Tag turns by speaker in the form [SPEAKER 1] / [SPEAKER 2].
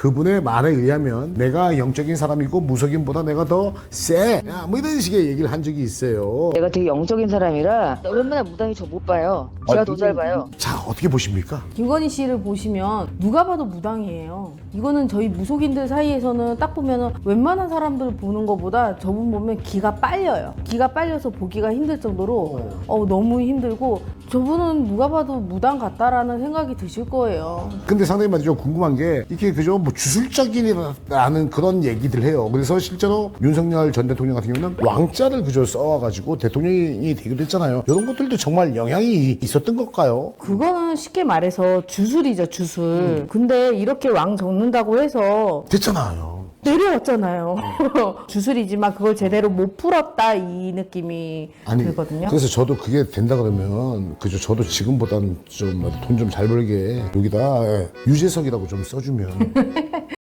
[SPEAKER 1] 그분의 말에 의하면 내가 영적인 사람이고 무속인보다 내가 더 세. 뭐 이런 식의 얘기를 한 적이 있어요.
[SPEAKER 2] 내가 되게 영적인 사람이라 웬만한 무당이 저 못 봐요. 제가 더 잘 봐요.
[SPEAKER 1] 자, 어떻게 보십니까?
[SPEAKER 3] 김건희 씨를 보시면 누가 봐도 무당이에요. 이거는 저희 무속인들 사이에서는 딱 보면은 웬만한 사람들 보는 것보다 저분 보면 기가 빨려요. 기가 빨려서 보기가 힘들 정도로 너무 힘들고 저분은 누가 봐도 무당 같다라는 생각이 드실 거예요.
[SPEAKER 1] 근데 상당히 말이죠. 궁금한 게 이게 그저 뭐 주술적이라는 그런 얘기들 해요. 그래서 실제로 윤석열 전 대통령 같은 경우는 왕자를 그저 써와가지고 대통령이 되기도 했잖아요. 이런 것들도 정말 영향이 있었던 걸까요?
[SPEAKER 3] 그거는 쉽게 말해서 주술이죠, 주술. 근데 이렇게 왕 적는다고 해서
[SPEAKER 1] 됐잖아요.
[SPEAKER 3] 내려왔잖아요. 주술이지만 그걸 제대로 못 풀었다 이 느낌이 들거든요.
[SPEAKER 1] 그래서 저도 그게 된다 그러면 그저 저도 지금보다는 좀 돈 좀 잘 벌게 여기다 유재석이라고 좀 써주면